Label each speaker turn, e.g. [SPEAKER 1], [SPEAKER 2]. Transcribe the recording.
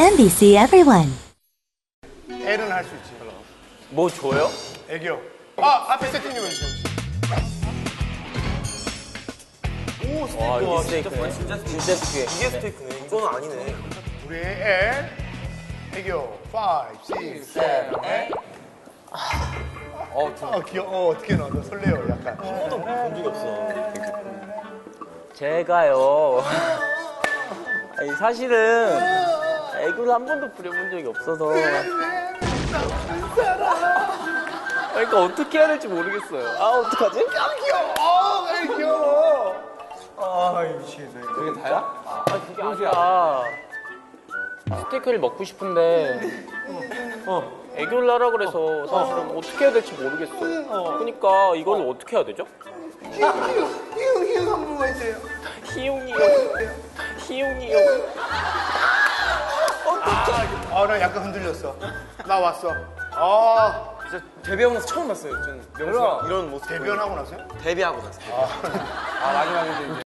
[SPEAKER 1] MBC Everyone.
[SPEAKER 2] L은 할 수 있지.
[SPEAKER 3] 뭐 줘요?
[SPEAKER 2] 애교. 앞에 세팅 좀 해주세요.
[SPEAKER 3] 오, 스테이크네. 진짜 스테이크. 이게 스테이크네. 이거는 아니네.
[SPEAKER 2] 우리 L. 애교. 5, 6, 7, 8. 귀여워. 어떻게 나와? 너 설레요, 약간.
[SPEAKER 3] 한 번도 본 적이 없어. 제가요. 아니, 사실은 애교를 한 번도 부려본 적이 없어서. 그러니까 어떻게 해야 될지 모르겠어요. 어떡하지?
[SPEAKER 2] 귀여워. 귀여워. 미치겠네.
[SPEAKER 3] 그게 다야? 그게 아니야. 스테이크를 먹고 싶은데 애교를 하라 그래서 사실은 어떻게 해야 될지 모르겠어요. 그러니까 이걸 어떻게 해야 되죠?
[SPEAKER 2] 희웅 한 번만 해줘요.
[SPEAKER 3] 희웅이요.
[SPEAKER 2] 나 약간 흔들렸어. 나 왔어.
[SPEAKER 4] 진짜 데뷔하고 나서 처음 봤어요. 저는 명수가 이런 모습.
[SPEAKER 2] 대변하고 나서요?
[SPEAKER 4] 데뷔하고 나서.
[SPEAKER 2] 마지막인데 이제.